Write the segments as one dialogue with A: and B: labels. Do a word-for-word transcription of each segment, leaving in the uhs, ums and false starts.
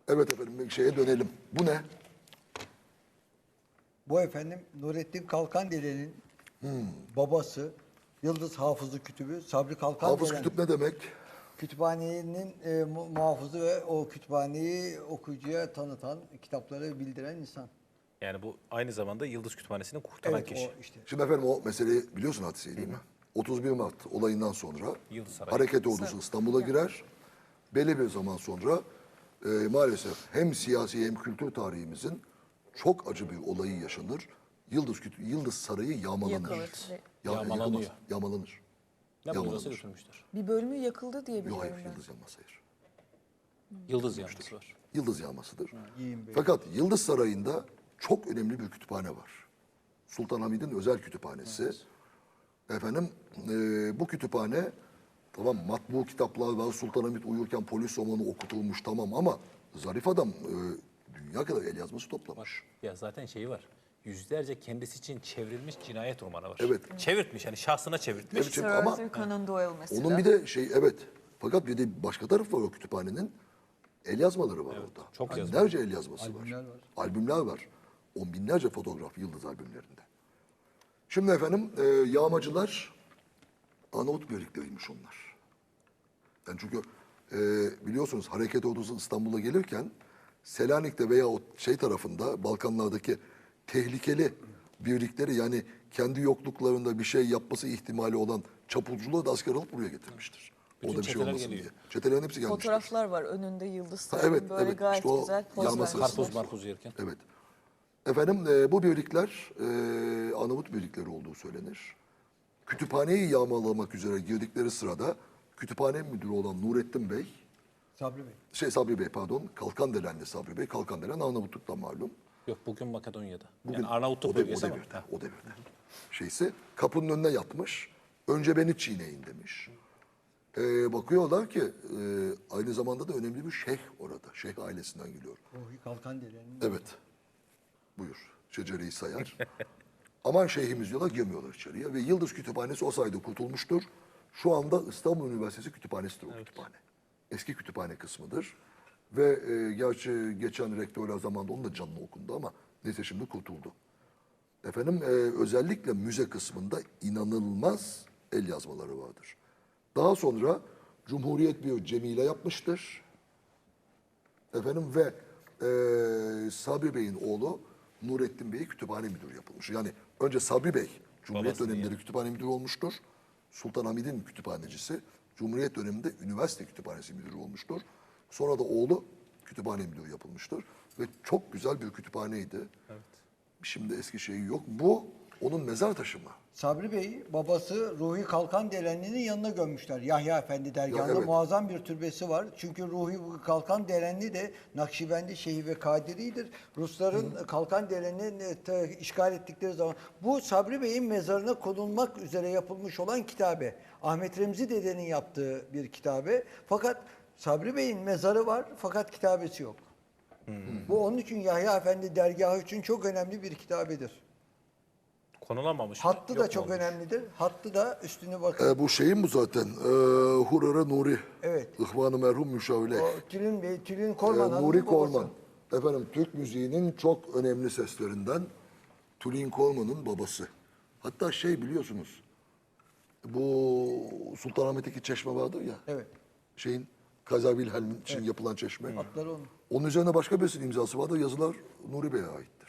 A: Evet efendim bir şeye dönelim. Bu ne?
B: Bu efendim Nurettin Kalkandere'nin babası Yıldız Hafızı Kütübü Sabri
A: Hafız
B: Kalkandelen
A: kütüp ne demek?
B: kütüphanenin e, mu- muhafızı ve o kütüphaneyi okuyucuya tanıtan, kitapları bildiren insan.
C: Yani bu aynı zamanda Yıldız Kütüphanesi'ni kurtaran
B: Evet
C: kişi.
B: o işte.
A: Şimdi efendim o meseleyi biliyorsun hadiseyi değil mi? otuz bir Mart olayından sonra
C: Yıldız Sarayı.
A: hareket ordusu İstanbul'a girer. Belli bir zaman sonra e, maalesef hem siyasi hem kültür tarihimizin çok acı bir olayı yaşanır. Yıldız Kütü- Yıldız Sarayı yağmalanır.
D: Yakılır.
A: Ya-
C: Yağmalanıyor.
A: yıkılmaz, Yağmalanır.
C: Ne buyursa
A: Yağmalanır.
C: götürmüşler.
D: Bir bölümü yakıldı diye
A: Yok
D: biliyorum
A: hayır
D: ben.
A: Yıldız yanması hayır.
C: Yıldız yanlısı var.
A: Yıldız yağmasıdır.
B: Yiyin Bey.
A: Fakat Yıldız Sarayı'nda çok önemli bir kütüphane var. Sultanahmet'in özel kütüphanesi. Efendim e, bu kütüphane tamam matbu kitaplar var. Sultanahmet uyurken polis romanı okutulmuş tamam ama zarif adam e, dünya kadar el yazması toplamış.
C: Ya zaten şeyi var. Yüzlerce kendisi için çevrilmiş cinayet romanı var.
A: Evet.
C: Çevirtmiş yani şahsına çevirtmiş.
A: Evet,
D: Sir
A: çünkü ama
D: Arthur Conan Doyle mesela.
A: onun bir de şey evet. Fakat bir de başka tarafı var o kütüphanenin. El yazmaları var orada.
C: çok yazma.
A: Binlerce el yazması
B: Albümler
A: var.
B: var.
A: Albümler var. On binlerce fotoğraf Yıldız albümlerinde. Şimdi efendim e, yağmacılar Arnavut birlikleriymiş onlar. Yani çünkü e, biliyorsunuz hareket ordusu İstanbul'a gelirken Selanik'te veya o şey tarafında Balkanlardaki tehlikeli birlikleri yani kendi yokluklarında bir şey yapması ihtimali olan çapulcuları da asker alıp buraya getirmiştir.
C: Bütün
A: Orada bir şey
C: çeteler
A: olmasın
C: geliyor.
A: diye. Çetelerin hepsi gelmiştir.
D: Fotoğraflar var önünde Yıldız
A: Ha,
D: Sarayı'nın
A: evet,
D: böyle
A: evet.
D: gayet
A: İşte o
D: güzel poz
A: yanması-
D: vermişler.
C: Karpuz marpuz yerken.
A: Evet. Efendim e, bu birlikler e, Arnavut birlikleri olduğu söylenir. Kütüphaneyi yağmalamak üzere girdikleri sırada kütüphane müdürü olan Nurettin Bey,
B: Sabri Bey.
A: şey Sabri Bey pardon, Kalkandelen'de Sabri Bey, Kalkandelen Arnavutluk'tan malum.
C: Yok bugün Makedonya'da.
A: Bugün
C: yani Arnavutluk
A: o, de- o
C: bölgesi ama.
A: devirde, o devirde. Şeysi kapının önüne yatmış. Önce beni çiğneyin demiş. E, bakıyorlar ki e, aynı zamanda da önemli bir şeyh orada. Şeyh ailesinden geliyor.
B: Ruhi Kalkandere'nin
A: Evet. Buyur. Şecereyi sayar. Aman şeyhimiz diyorlar girmiyorlar içeriye. Ve Yıldız Kütüphanesi o sayede kurtulmuştur. Şu anda İstanbul Üniversitesi Kütüphanesi'dir o kütüphane. Eski kütüphane kısmıdır. Ve e, gerçi geçen rektörler zamanında onun da canlı okundu ama neyse şimdi kurtuldu. Efendim e, özellikle müze kısmında inanılmaz el yazmaları vardır. Daha sonra Cumhuriyet bir cemile yapmıştır. Efendim ve e, Sabri Bey'in oğlu Nurettin Bey kütüphane müdürü yapılmış. Yani önce Sabri Bey Cumhuriyet
C: Babası
A: dönemleri kütüphane müdürü olmuştur. Sultanahmet'in kütüphanecisi. Cumhuriyet döneminde üniversite kütüphanesi müdürü olmuştur. Sonra da oğlu kütüphane müdürü yapılmıştır. Ve çok güzel bir kütüphaneydi.
C: Evet.
A: Şimdi eski şeyi yok. Bu onun mezar taşı mı?
B: Sabri Bey babası Ruhi Kalkanderenli'nin yanına gömmüşler. Yahya Efendi dergahında
A: Ya, evet.
B: muazzam bir türbesi var. Çünkü Ruhi Kalkanderenli de Nakşibendi Şeyhi ve Kadiri'dir. Rusların Kalkanderenli'ni e, te- işgal ettikleri zaman bu Sabri Bey'in mezarına konulmak üzere yapılmış olan kitabe. Ahmet Remzi dedenin yaptığı bir kitabe. Fakat Sabri Bey'in mezarı var fakat kitabesi yok. Bu onun için Yahya Efendi dergahı için çok önemli bir kitabedir.
C: Konulamamış mı?
B: Hattı
C: Yok
B: da
C: mu
B: çok
C: olmuş?
B: önemlidir. Hattı da üstüne bakın.
A: E, bu şeyin bu zaten. E, Hurara Nuri.
B: Evet.
A: İhvan-ı merhum müşavile.
B: O Tülin Bey, Tülin Korman
A: Ee,
B: Hanım'ın
A: Nuri
B: babası.
A: Korman. Efendim Türk müziğinin çok önemli seslerinden Tülin Korman'ın babası. Hatta şey biliyorsunuz. Bu Sultanahmet'teki çeşme vardır ya.
B: Evet.
A: Şeyin Kaiser Wilhelm için yapılan çeşme.
B: Atları onun.
A: Onun üzerine başka birisinin imzası vardır. Yazılar Nuri Bey'e aittir.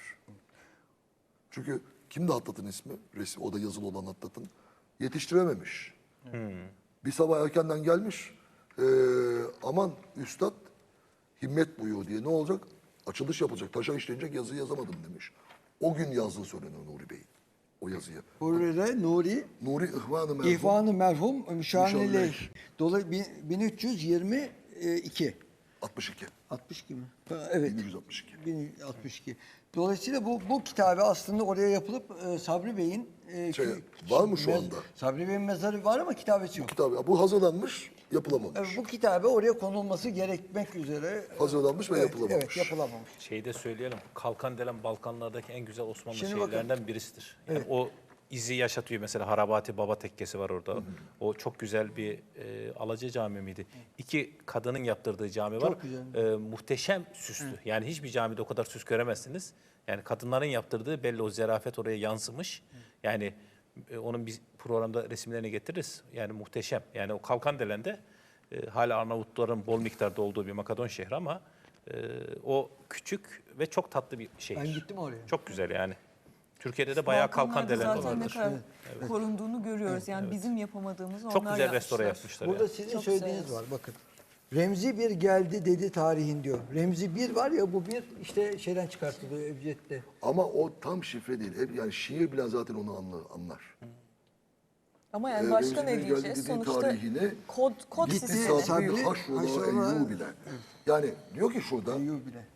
A: Çünkü kimdi Hattat'ın ismi? Resim, o da yazılı olan Hattat'ın. Yetiştirememiş. Bir sabah erkenden gelmiş. Ee, aman üstad himmet buyuyor diye ne olacak? Açılış yapılacak. Taşa işlenecek yazı yazamadım demiş. O gün yazdığı söylenir Nuri Bey'in. O yazıyı.
B: Hurre Nuri,
A: Nuri İhvan-ı merhum.
B: İhvan-ı Merhum, Müşanileyh.
A: Müşanileyh.
B: Dolayısıyla bin üç yüz yirmi iki.
A: altmış iki.
B: altmış iki mi? Ha, Evet.
A: bin yüz altmış iki.
B: bin yüz altmış iki. Dolayısıyla bu bu kitabe aslında oraya yapılıp e, Sabri Bey'in e,
A: Şey,
B: kü-
A: var mı şu
B: mez-
A: anda?
B: Sabri Bey'in mezarı var ama kitabesi yok.
A: Kitap, bu hazırlanmış, yapılamamış.
B: Evet, bu kitabe oraya konulması gerekmek üzere
A: Hazırlanmış ve
B: evet,
A: yapılamamış.
B: Evet, yapılamamış.
C: Şeyi de söyleyelim. Kalkandelen Balkanlardaki en güzel Osmanlı
B: Şimdi bakın.
C: şehirlerinden birisidir. Yani
B: Evet.
C: o izi yaşatıyor. Mesela Harabati Baba Tekkesi var orada. O çok güzel bir e, Alaca Cami miydi? İki kadının yaptırdığı cami var.
B: Çok güzel.
C: E, muhteşem süslü. Yani hiçbir camide o kadar süs göremezsiniz. Yani kadınların yaptırdığı belli, o zerafet oraya yansımış. Yani e, onun biz programda resimlerini getiririz. Yani muhteşem. Yani o Kalkandelen'de e, hala Arnavutların bol miktarda olduğu bir Makedon şehri ama e, o küçük ve çok tatlı bir şehir.
B: Ben gittim oraya.
C: Çok güzel yani. Türkiye'de de bayağı
D: Balkanlarda
C: Kalkandelen
D: zaten ne
C: vardır.
D: kadar korunduğunu görüyoruz. Yani bizim yapamadığımız onlar
C: Çok güzel
D: yapmışlar.
C: restore yapmışlar.
B: Burada
C: yani.
B: sizin
D: Çok
B: söylediğiniz
D: güzel.
B: var bakın. Remzi bir geldi dedi tarihin diyor. Remzi bir var ya bu bir işte şeyden çıkartılıyor Ebced'de.
A: Ama o tam şifre değil. Hep yani şiir bile zaten onu anlar. anlar.
D: Ama yani
A: Ee,
D: başka
A: Remzi
D: ne
A: bir
D: diyeceğiz?
A: geldi dediği
D: Sonuçta
A: tarihini
D: kod, kod
A: gitti
D: sistemi.
A: sabri
B: Sabri,
A: haşrola
B: haşrola-
A: eyyubile. Yani diyor ki şurada
B: Diyor bile.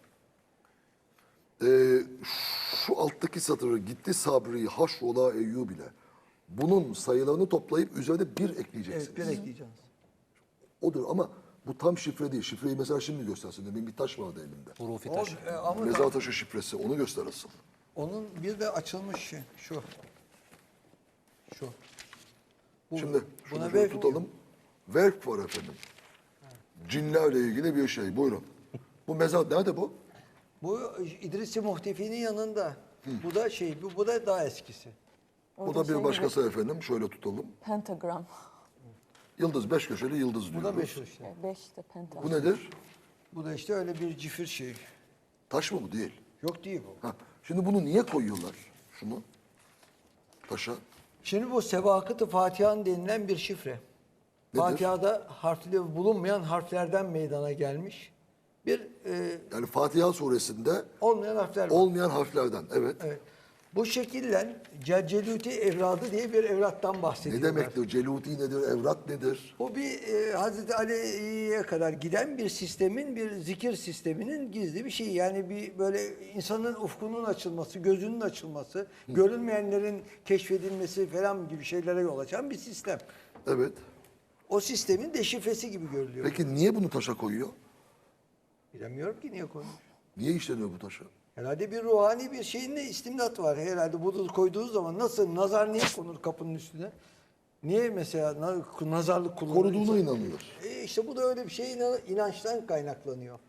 A: e, şu alttaki satırı gitti sabri haşrola eyyubile. Bunun sayılarını toplayıp üzerine bir ekleyeceksiniz.
B: Evet bir ekleyeceğiz.
A: Odur ama bu tam şifre değil. Şifreyi mesela şimdi göstersin. Demin bir taş vardı elinde.
C: Hurufi
B: O,
C: taşı.
B: e, ama
A: Mezar taşı şifresi. Onu gösterirsin.
B: onun bir de açılmış şey, şu. Şu. Bu-
A: Şimdi şunu
B: buna
A: şöyle
B: vef
A: tutalım. Verk var efendim. Cinlerle ilgili bir şey. Buyurun. Bu mezar nerede bu?
B: Bu İdris-i Muhtefi'nin yanında. Bu da şey, bu, bu da daha eskisi.
A: Bu
D: Orada
A: da
D: şey
A: bir
D: gibi,
A: başkası efendim. Şöyle tutalım.
D: Pentagram.
A: Yıldız, beş köşeli yıldız
B: Bu
A: diyoruz.
B: da meşhur işte.
D: Yani beş de pentagram.
A: Bu nedir?
B: Bu da işte öyle bir cifir şey.
A: Taş mı bu? Değil.
B: Yok değil bu.
A: Ha. Şimdi bunu niye koyuyorlar? Şunu. Taşa.
B: Şimdi bu Sevakıt-ı Fatiha'nın denilen bir şifre.
A: Nedir?
B: Fatiha'da harfleri bulunmayan harflerden meydana gelmiş. Bir e,
A: Yani Fatiha suresinde
B: olmayan harfler var.
A: olmayan harflerden. Evet.
B: Evet. Bu şekillen Celceluti evradı diye bir evrattan
A: Ne
B: bahsediyorlar.
A: demektir? Celuti nedir? Evrat nedir?
B: Bu bir e, Hazreti Ali'ye kadar giden bir sistemin, bir zikir sisteminin gizli bir şeyi. Yani bir böyle insanın ufkunun açılması, gözünün açılması, görünmeyenlerin keşfedilmesi falan gibi şeylere yol açan bir sistem.
A: Evet.
B: O sistemin deşifresi gibi görülüyor.
A: Peki niye bunu taşa koyuyor?
B: Bilemiyorum ki niye koymuş.
A: Niye işleniyor bu taşa?
B: Herhalde bir ruhani bir şeyin de istimdat var. Herhalde bunu koyduğunuz zaman nasıl nazar niye konur kapının üstüne? Niye mesela na- nazarlık kullanılır?
A: Koruduğuna inanılır.
B: E işte bu da öyle bir şey inan- inançtan kaynaklanıyor.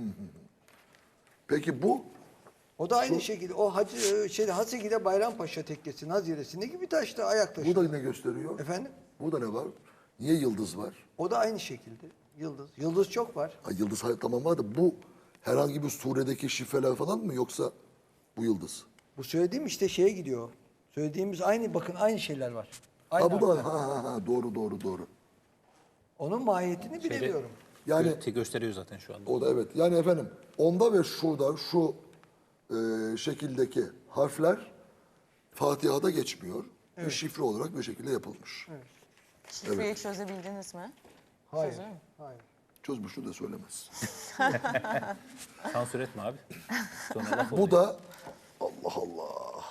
A: Peki bu
B: O da aynı şekilde o Hacı şey Haseki'de Bayrampaşa Tekkesi Nazire'sindeki bir taşta ayak taşı.
A: bu da ne gösteriyor?
B: Efendim?
A: Burada ne var? Niye yıldız var?
B: O da aynı şekilde. Yıldız. Yıldız çok var.
A: Ha, yıldız hayır, tamam var da bu herhangi bir suredeki şifreler falan mı yoksa bu yıldız?
B: Bu söylediğim işte şeye gidiyor. Söylediğimiz aynı bakın aynı şeyler var. Aynı
A: Ha bu
B: harfler.
A: da ha, ha, ha, doğru doğru doğru.
B: Onun mahiyetini bilemiyorum.
A: Yani
C: Gö- gösteriyor zaten şu anda.
A: o da evet. Yani efendim onda ve şurada şu e, şekildeki harfler Fatiha'da geçmiyor. Bir şifre olarak bir şekilde yapılmış.
D: Şifreyi çözebildiniz mi?
B: Hayır.
D: Çözüyor mu?
B: Hayır.
A: Çözmüştü de söylemez.
C: Sansür etme abi. Sonra laf
A: Bu
C: oluyor.
A: da Allah Allah.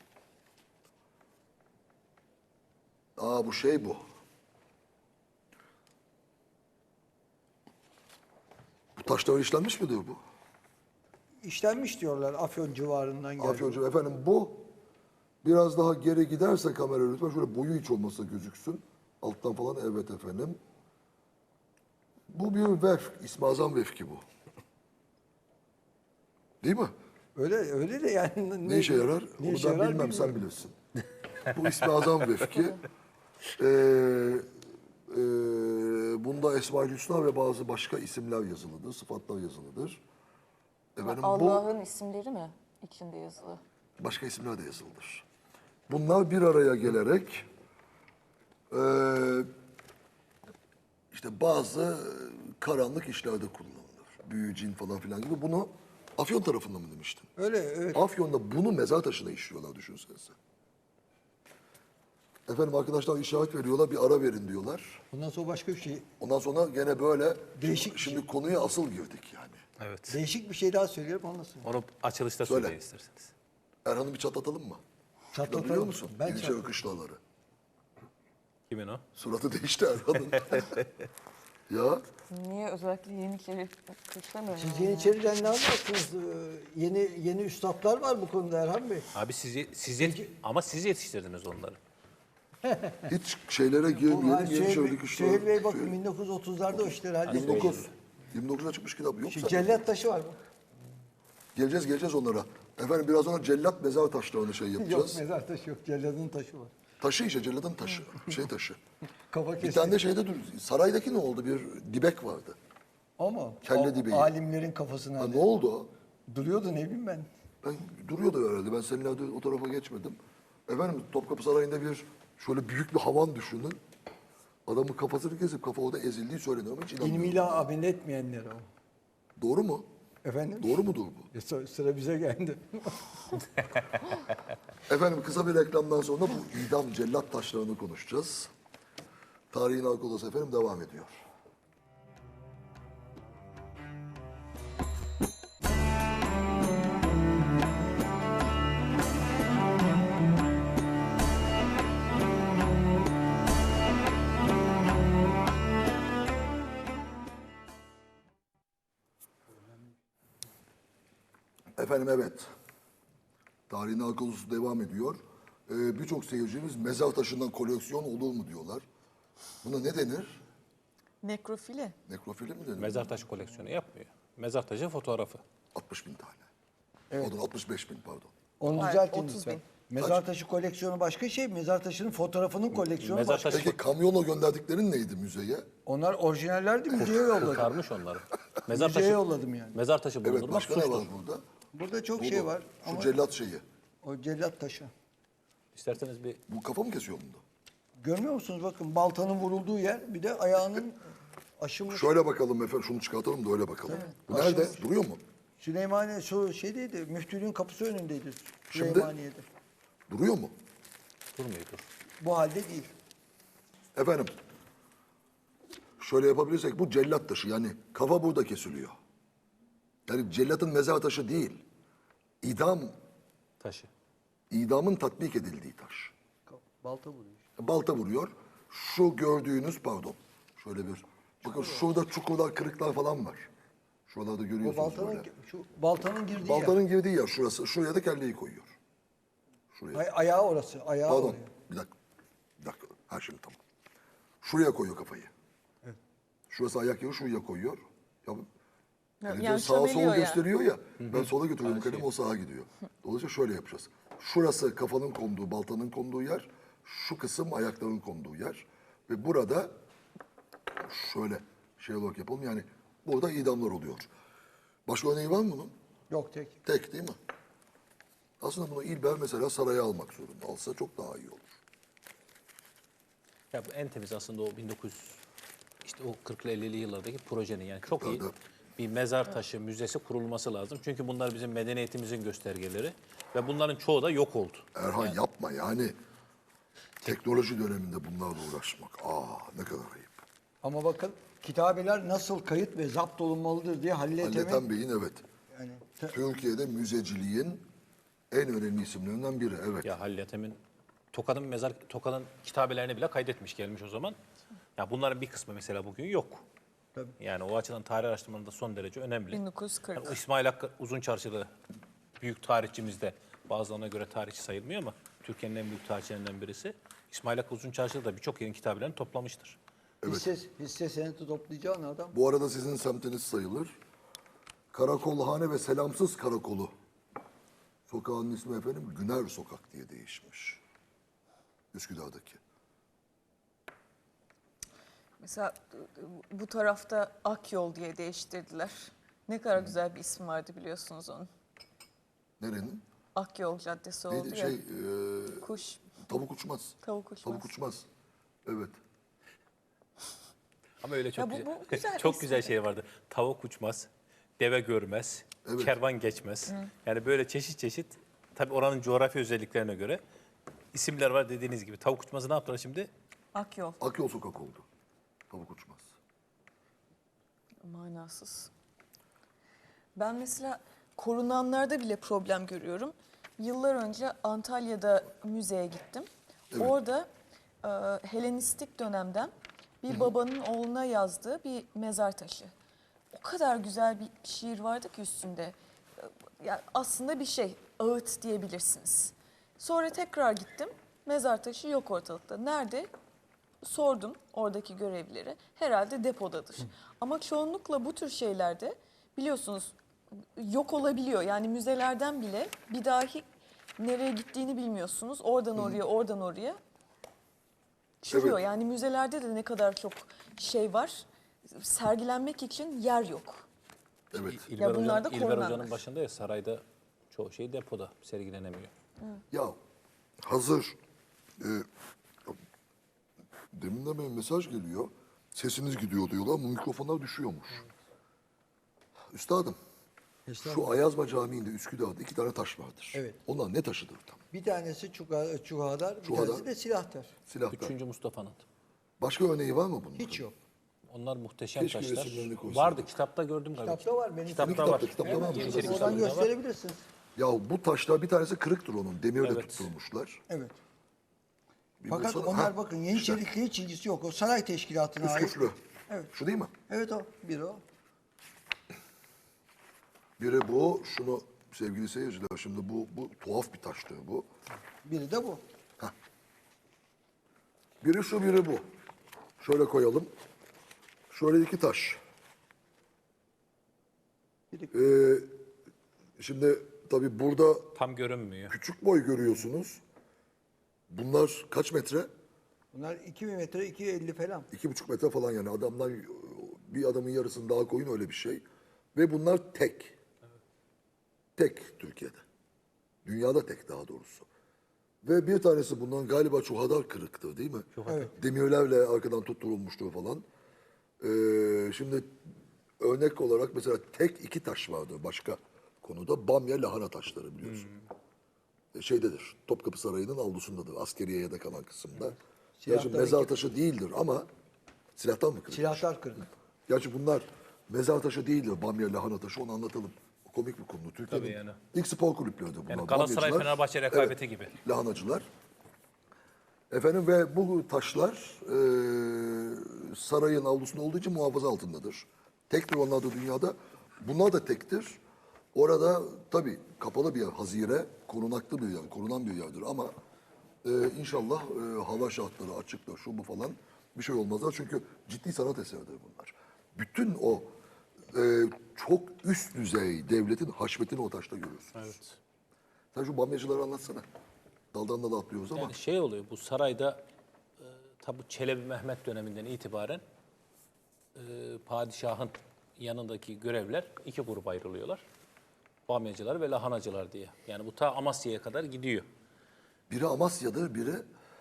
A: Aa bu şey bu. Bu taşlar işlenmiş midir bu?
B: İşlenmiş diyorlar Afyon civarından geldi.
A: Afyoncu efendim bu biraz daha geri giderse kamera lütfen şöyle boyu hiç olmasa gözüksün. Alttan falan evet efendim. Bu bir vefk. İsmi Azam vefki bu. Değil mi?
B: Öyle öyle de yani
A: Ne, işe yarar?
B: ne
A: Onu
B: işe
A: ben
B: yarar
A: bilmem sen
B: bilmiyorum.
A: bilirsin. Bu ismi Azam vefki. Ee, e, bunda Esma-ül Hüsna ve bazı başka isimler yazılıdır, sıfatlar yazılıdır. Efendim bu
D: Allah'ın isimleri mi içinde yazılı?
A: başka isimler de yazılıdır. Bunlar bir araya gelerek e, işte bazı karanlık işlerde kullanılır. Büyü, cin falan filan gibi. Bunu Afyon tarafında mı demiştin?
B: Öyle evet.
A: Afyon'da bunu mezar taşına işliyorlar düşünsenize. Efendim arkadaşlar işaret veriyorlar, bir ara verin diyorlar.
B: Bundan sonra başka bir şey.
A: Ondan sonra gene böyle,
B: Değişik
A: şimdi,
B: bir
A: şimdi konuya asıl girdik yani.
C: Evet.
B: Değişik bir şey daha söylüyorum ondan sonra.
C: Onu açılışta
A: Söyle.
C: söyleyin isterseniz.
A: Erhan'ı bir çatlatalım mı?
B: Çatlatalım.
A: Biliyor musun?
B: Ben
A: Yeniçeri
B: çatlatalım.
A: kışlaları.
C: Kimin o?
A: Suratı değişti Erhan'ın. Ya
D: Niye özellikle Yeniçeri kuşlamıyor?
B: Siz Yeniçeri'den ne anlarsınız? Ee, Yeni yeni üstadlar var bu konuda Erhan Bey.
C: Abi siz, ye- siz yet- ama siz yetiştirdiniz onları.
A: Hiç şeylere
B: Bu
A: girmeyelim.
B: Süheyl,
A: Yeniçerilik işleri.
B: Süheyl Bey bakın bin dokuz yüz otuzlarda o işleri halletmiş.
A: yirmi dokuz. yirmi dokuzda çıkmış kitap yok
B: Şu
A: zaten.
B: cellat taşı var bak.
A: Geleceğiz geleceğiz onlara. Efendim biraz sonra cellat mezar taşlarını şey
B: Yok
A: yapacağız.
B: mezar taşı yok. Celladın taşı var.
A: Taşı işte celladın taşı. Şey taşı.
B: Kafa
A: Bir
B: kesti.
A: tane de şeyde dur. Saraydaki ne oldu? Bir dibek vardı.
B: Ama
A: Kelle
B: o
A: dibeği.
B: alimlerin kafasına
A: Ha,
B: hani
A: ne oldu o?
B: duruyordu ne bileyim ben.
A: Ben duruyordu herhalde. Ben seninle o tarafa geçmedim. Efendim Topkapı Sarayı'nda bir şöyle büyük bir havan düşünün. Adamın kafasını kesip kafa orada ezildiği söyleniyor ama hiç inanmıyorum.
B: İlmiyle amel etmeyenler o.
A: Doğru mu?
B: Efendim?
A: Doğru mudur bu?
B: E, sı- Sıra bize geldi.
A: Efendim kısa bir reklamdan sonra bu idam cellat taşlarını konuşacağız. Tarihin Arka Odası efendim devam ediyor. Efendim evet. Tarihin Arka Odası devam ediyor. Ee, Birçok seyircimiz mezar taşından koleksiyon olur mu diyorlar. Buna ne denir?
D: Nekrofili.
A: Nekrofili mi denir?
C: Mezar taşı koleksiyonu yapmıyor. Mezar taşı fotoğrafı.
A: altmış bin tane. Pardon altmış beş bin pardon.
B: Onu
D: Hayır,
B: düzeltin
D: otuz
B: lütfen.
D: bin.
B: Mezar taşı koleksiyonu başka şey. Mezar taşının fotoğrafının koleksiyonu
C: Mezar
B: başka.
C: taşı
A: Peki kamyonla gönderdiklerin neydi müzeye?
B: Onlar orijinallerdi müzeye yolladım.
C: kurtarmış onları. Mezar
B: Müzeye
C: taşı,
B: yolladım yani.
C: mezar taşı
A: Evet
C: bulundurmak
A: başka ne
C: suçtur.
A: var burada?
B: Burada çok
A: Bu
B: şey
A: bu.
B: var
A: Şu
B: ama
A: cellat şeyi.
B: o cellat taşı.
C: İsterseniz bir
A: Bu kafa mı kesiyor bunda?
B: Görmüyor musunuz bakın baltanın vurulduğu yer bir de ayağının aşılmış.
A: Şöyle bakalım efendim şunu çıkartalım da öyle bakalım. Bu nerede? Duruyor mu?
B: Süleymaniye şu şeydeydi müftülüğün kapısı önündeydi
A: Şimdi?
B: Süleymaniye'de.
A: Duruyor mu?
C: durmuyor dur.
B: Bu halde değil.
A: Efendim şöyle yapabilirsek bu cellat taşı yani kafa burada kesiliyor. Yani cellatın mezar taşı değil. İdam,
C: Taşı.
A: idamın tatbik edildiği taş.
B: Balta vuruyor.
A: Balta vuruyor. Şu gördüğünüz pardon. Şöyle bir. Bakın şurada çukurlar, kırıklar falan var. Şuralarda
B: O
A: görüyorsunuz
B: baltanın
A: böyle.
B: şu baltanın girdiği
A: Baltanın girdiği yer şurası. Şuraya da kelleyi koyuyor. Şuraya.
B: yer. Ay, ayağı orası. Ayağı
A: Pardon.
B: oraya.
A: Bir dakika. Bir dakika. Ha şimdi tamam. Şuraya koyuyor kafayı. Şurası ayak yeri şuraya koyuyor. Ya, yani,
D: yani
A: sağa sola
D: çömeliyor ya.
A: gösteriyor ya. Ben sola götürüyorum kalemi o sağa gidiyor. Dolayısıyla şöyle yapacağız. Şurası kafanın konduğu, baltanın konduğu yer. Şu kısım ayakların konduğu yer. Ve burada şöyle şey olarak yapalım. Yani burada idamlar oluyor. Başka örneği var mı bunun?
B: Yok tek.
A: Tek değil mi? Aslında bunu İlber mesela saraya almak zorunda. Alsa çok daha iyi olur.
C: Ya bu en temiz aslında o bin dokuz yüz işte o kırklı ellili yıllardaki projenin yani çok iyi
A: Kırklarda.
C: bir mezar taşı müzesi kurulması lazım. Çünkü bunlar bizim medeniyetimizin göstergeleri ve bunların çoğu da yok oldu.
A: Erhan yapma yani. Teknoloji döneminde bunlarla uğraşmak. Aa ne kadar ayıp.
B: Ama bakın kitabeler nasıl kayıt ve zapt olunmalıdır diye Halil Ethem'in
A: Halil Bey'in evet.
B: yani te-
A: Türkiye'de müzeciliğin en önemli isimlerinden biri. Evet.
C: Ya Halil Ethem'in Tokat'ın mezar Tokat'ın kitabelerini bile kaydetmiş gelmiş o zaman. Ya bunların bir kısmı mesela bugün yok.
B: Tabii.
C: Yani o açıdan tarih araştırmanın son derece önemli.
D: bin dokuz yüz kırk.
C: Yani o İsmail Hakkı Uzunçarşılı büyük tarihçimiz de bazılarına göre tarihçi sayılmıyor ama Türkiye'nin en büyük tarihçilerinden birisi. İsmail Hakkı Uzunçarşılı da birçok yerin kitabelerini toplamıştır.
B: hisse, hisse senedi toplayacağın adam.
A: Bu arada sizin semtiniz sayılır. Karakolhane ve Selamsız Karakolu. Sokağın ismi efendim Güner Sokak diye değişmiş. Üsküdar'daki.
D: Mesela bu tarafta Akyol diye değiştirdiler. Ne kadar güzel bir ismi vardı biliyorsunuz onun.
A: Nerenin?
D: Akyol Caddesi oldu
A: Neydi
D: ya.
A: şey e,
D: Kuş,
A: tavuk uçmaz.
D: tavuk uçmaz.
A: Tavuk uçmaz. Evet.
C: Ama öyle çok
D: Ya bu-
C: güzel,
D: bu güzel
C: çok
D: bir
C: güzel
D: isim.
C: şey vardı. Tavuk uçmaz, deve görmez,
A: Evet.
C: kervan geçmez. Yani böyle çeşit çeşit tabii oranın coğrafi özelliklerine göre isimler var dediğiniz gibi. Tavuk uçmazı ne yaptılar şimdi?
D: Akyol.
A: Akyol Sokak oldu. Tavuk uçmaz.
D: Manasız. Ben mesela korunanlarda bile problem görüyorum. Yıllar önce Antalya'da müzeye gittim. Orada e, Helenistik dönemden bir babanın oğluna yazdığı bir mezar taşı. O kadar güzel bir şiir vardı ki üstünde. Yani aslında bir şey, ağıt diyebilirsiniz. Sonra tekrar gittim, mezar taşı yok ortalıkta. Nerede? Sordum oradaki görevlileri. Herhalde depodadır. Ama çoğunlukla bu tür şeylerde biliyorsunuz yok olabiliyor. Yani müzelerden bile bir dahi nereye gittiğini bilmiyorsunuz. Oradan oraya, oradan oraya çürüyor.
A: Evet.
D: Yani müzelerde de ne kadar çok şey var. Sergilenmek için yer yok.
A: Evet.
C: İlber,
D: Ya bunlar da
C: Hoca'nın, İlber
D: korunanlar.
C: Hoca'nın başında ya sarayda çoğu şey depoda sergilenemiyor.
A: Ya hazır e, deminden beri mesaj geliyor. Sesiniz gidiyor diyorlar ama mikrofonlar düşüyormuş. Üstadım, şu Ayazma Camii'nde Üsküdar'da iki tane taş vardır.
B: Evet.
A: Onlar ne taşıdır tam?
B: Bir tanesi çuha, çuhadar, bir
A: Çuhadar.
B: tanesi de silahtar.
A: Silahlar.
C: Üçüncü Mustafa'nın.
A: Başka örneği var mı bunun?
B: Hiç yok.
C: Onlar muhteşem
A: Keşke
C: taşlar.
A: resimlerini koysalar.
C: Vardı, kitapta gördüm galiba.
B: Kitapta var, benim
C: Kitapta
A: kitapta,
C: var.
A: kitapta
C: Evet,
A: var mı?
C: Yeniçeri
B: Oradan
C: kitabında var.
B: gösterebilirsiniz.
A: Ya bu taşlar bir tanesi kırıktır onun. Demirle
C: Evet.
A: tutturmuşlar.
B: Evet.
A: Bir
B: Fakat
A: bulsana-
B: onlar
A: Ha,
B: bakın Yeniçerik'le hiç ilgisi yok. O saray teşkilatına ait.
A: Üsküflü.
B: Evet.
A: Şu değil mi?
B: Evet o. Bir o.
A: Biri bu. Şunu sevgili seyirciler şimdi bu, bu tuhaf bir taştır bu.
B: Biri de bu.
A: Biri şu biri bu. Şöyle koyalım. Şöyle iki taş. Ee, şimdi tabii burada
C: Tam görünmüyor.
A: küçük boy görüyorsunuz. Bunlar kaç metre?
B: Bunlar iki bin metre, iki yüz elli falan.
A: İki buçuk metre falan yani. Adamdan bir adamın yarısını daha koyun öyle bir şey. Ve bunlar tek. Tek Türkiye'de. Dünyada tek daha doğrusu. Ve bir tanesi bundan galiba çuhadar kırıktı değil mi?
B: Evet.
A: Demirlerle arkadan tutturulmuştu falan. Ee, şimdi örnek olarak mesela tek iki taş vardı başka konuda. Bamya lahana taşları biliyorsun. E, Şeydedir, Topkapı Sarayı'nın avlusundadır. Askeriyeye de kalan kısımda. Gerçi
B: Silahlar
A: mezar
B: iki-
A: taşı değildir ama silahtan mı kırılmış?
B: Silahtar kırdı.
A: Gerçi bunlar mezar taşı değildir. Bamya lahana taşı onu anlatalım. O komik bir konu. Türkiye'nin
C: Tabii yani.
A: ilk spor kulüpleridir bunlar.
C: Yani Galatasaray,
A: Bamyacılar,
C: Fenerbahçe rekabeti gibi.
A: Lahanacılar. Efendim ve bu taşlar e, sarayın avlusunda olduğu için muhafaza altındadır. Tektir onlar da dünyada. Bunlar da tektir. Orada tabii kapalı bir yer, hazire, korunaklı bir yer, korunan bir yerdir ama e, inşallah e, hava şartları açıktır, şu bu falan bir şey olmazlar. Çünkü ciddi sanat eseridir bunlar. Bütün o e, çok üst düzey devletin haşmetini o taşta görüyorsunuz.
C: Evet.
A: Sen şu bamyacıları anlatsana. Daldan dala atlıyoruz ama.
C: Yani şey oluyor, bu sarayda e, tabi Çelebi Mehmet döneminden itibaren e, padişahın yanındaki görevler iki gruba ayrılıyorlar. Bamyacılar ve lahanacılar diye. Yani bu ta Amasya'ya kadar gidiyor.
A: Biri Amasya'dır, biri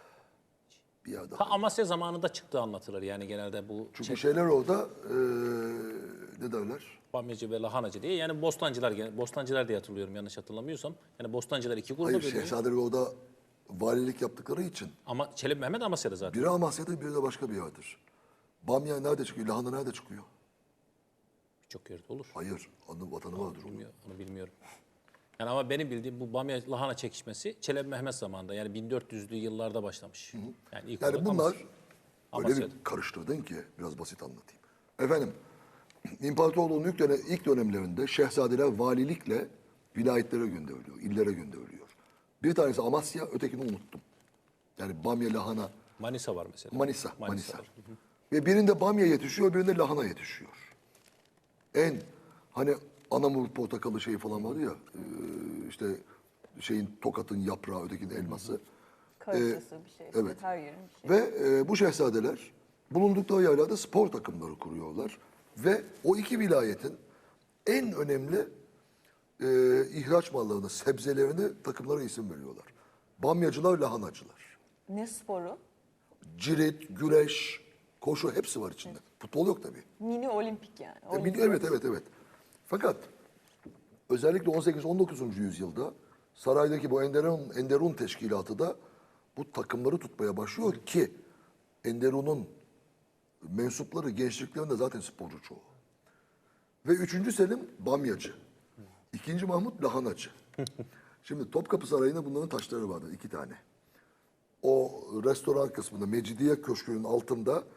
A: bir yer
C: Ta
A: daha.
C: Amasya zamanında çıktığı anlatılır yani genelde bu
A: Çünkü
C: Çe-
A: şeyler orada eee ne derler?
C: Bamyacı ve lahanacı diye. Yani bostancılar, gene- bostancılar diye hatırlıyorum yanlış hatırlamıyorsam. Yani bostancılar iki gruba
A: Hayır,
C: bölünüyor.
A: şehzadeler orada valilik yaptıkları için.
C: Ama Çelebi Mehmet Amasya'da zaten.
A: Biri Amasya'da, biri de başka bir yerdir. Bamya nerede çıkıyor? Lahana nerede çıkıyor?
C: Birçok yerde olur.
A: Hayır, anı vatanı vardır onun.
C: Bilmiyorum, onu bilmiyorum. Yani ama benim bildiğim bu Bamya lahana çekişmesi Çelebi Mehmet zamanında yani bin dört yüzlü yıllarda başlamış. Yani ilk
A: Yani
C: olarak
A: bunlar
C: Amasya.
A: öyle bir
C: Amasya'da.
A: karıştırdın ki biraz basit anlatayım. Efendim, İmparatorluğun ilk, dönem, ilk dönemlerinde şehzadeler valilikle vilayetlere gönderiliyor, illere gönderiliyor. Bir tanesi Amasya, ötekini unuttum. Yani Bamya, lahana,
C: Manisa var mesela.
A: Manisa, Manisa.
C: var.
A: Ve birinde bamya yetişiyor, birinde lahana yetişiyor. En hani anamur portakalı şey falan var ya, e, işte şeyin Tokat'ın yaprağı, ötekinin elması.
D: Karıcası bir şey.
A: evet.
D: Her yerin bir şey.
A: Ve e, bu şehzadeler bulundukları yerlerde spor takımları kuruyorlar. Ve o iki vilayetin en önemli e, ihraç mallarını, sebzelerini takımlara isim veriyorlar. Bamyacılar, lahanacılar.
D: Ne sporu?
A: Cirit, güreş, koşu hepsi var içinde. Futbol yok tabii.
D: Mini olimpik yani.
A: E,
D: Olimpik.
A: evet, evet, evet. Fakat özellikle on sekiz on dokuzuncu yüzyılda saraydaki bu Enderun, Enderun teşkilatı da bu takımları tutmaya başlıyor ki Enderun'un mensupları gençliklerinde zaten sporcu çoğu. Ve üçüncü Selim Bamyacı. İkinci Mahmut Lahanacı. Şimdi Topkapı Sarayı'nda bunların taşları vardı iki tane. O restoran kısmında Mecidiye Köşkü'nün altında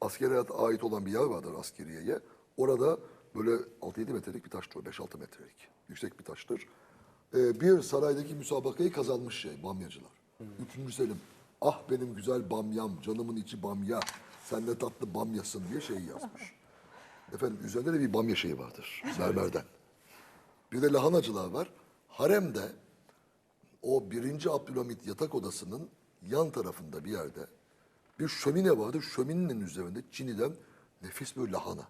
A: askere ait olan bir yer vardır askeriyeye. Orada böyle altı yedi metrelik bir taştır, beş altı metrelik. Yüksek bir taştır. Ee, bir saraydaki müsabakayı kazanmış şey, bamyacılar. Üçüncü Selim, ah benim güzel bamyam, canımın içi bamya, sen de tatlı bamyasın diye şey yazmış. Efendim üzerinde de bir bamya şeyi vardır, mermerden. Bir de lahanacılar var. Haremde o birinci Abdülhamit yatak odasının yan tarafında bir yerde bir şömine vardı. Şöminenin üzerinde Çin'den nefis bir lahana.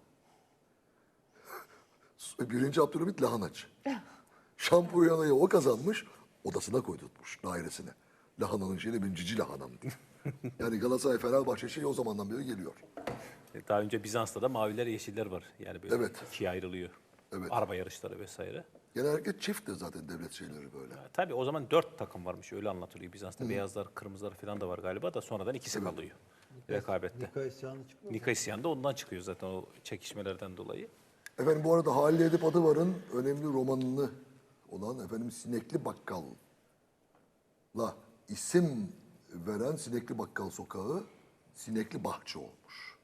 A: Birinci Abdülhamit lahanacı. Şampuyanayı o kazanmış, odasına koydurtmuş, dairesine. Lahananın şeyini benim cici lahanam diye. Yani Galatasaray Fenerbahçe şeyi o zamandan beri geliyor.
C: Daha önce Bizans'ta da maviler yeşiller var. Yani böyle
A: Evet.
C: ikiye ayrılıyor.
A: Evet.
C: Araba yarışları vesaire.
A: Genellikle çift de zaten devlet şeyleri böyle.
C: Tabii o zaman dört takım varmış öyle anlatılıyor. Bizans'ta beyazlar, kırmızılar falan da var galiba da sonradan ikisi kalıyor rekabette.
B: Nika isyanı çıkıyor.
C: Nika isyanı da ondan çıkıyor zaten o çekişmelerden dolayı.
A: Efendim bu arada Halil Edip Adıvar'ın önemli romanını olan efendim Sinekli Bakkal'la isim veren Sinekli Bakkal Sokağı Sinekli Bahçe olmuş.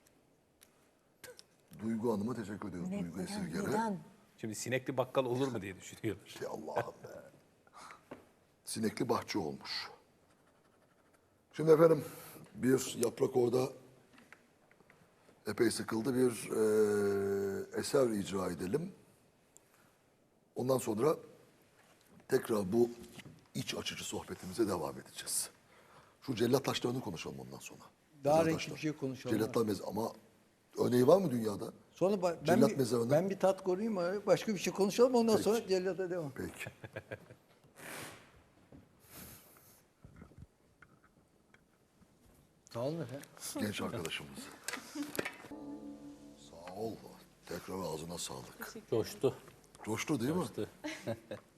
A: Duygu Hanım'a teşekkür ediyoruz. Duygu Esirger'e.
E: Neden?
C: Şimdi sinekli bakkal olur mu diye düşünüyorlar.
A: Şey Allah'ım be. Sinekli Bahçe olmuş. Şimdi efendim bir yaprak orada epey sıkıldı. Bir eee, eser icra edelim. Ondan sonra tekrar bu iç açıcı sohbetimize devam edeceğiz. Şu cellat taşlarını konuşalım ondan sonra.
B: Daha
A: Cellat
B: renkli
A: taşlar.
B: bir şey konuşalım.
A: Cellatlar mez ama örneği var mı dünyada?
B: Sonra ba- ben,
A: Cellat
B: bir,
A: mezarını-
B: ben bir tat koruyayım abi. Başka bir şey konuşalım ondan
A: Peki.
B: sonra cellata devam.
A: Peki.
B: Sağ olun efendim.
A: Genç arkadaşımız. Sağ ol. Tekrar ağzına sağlık.
C: Coştu.
A: Coştu değil mi?
C: Coştu.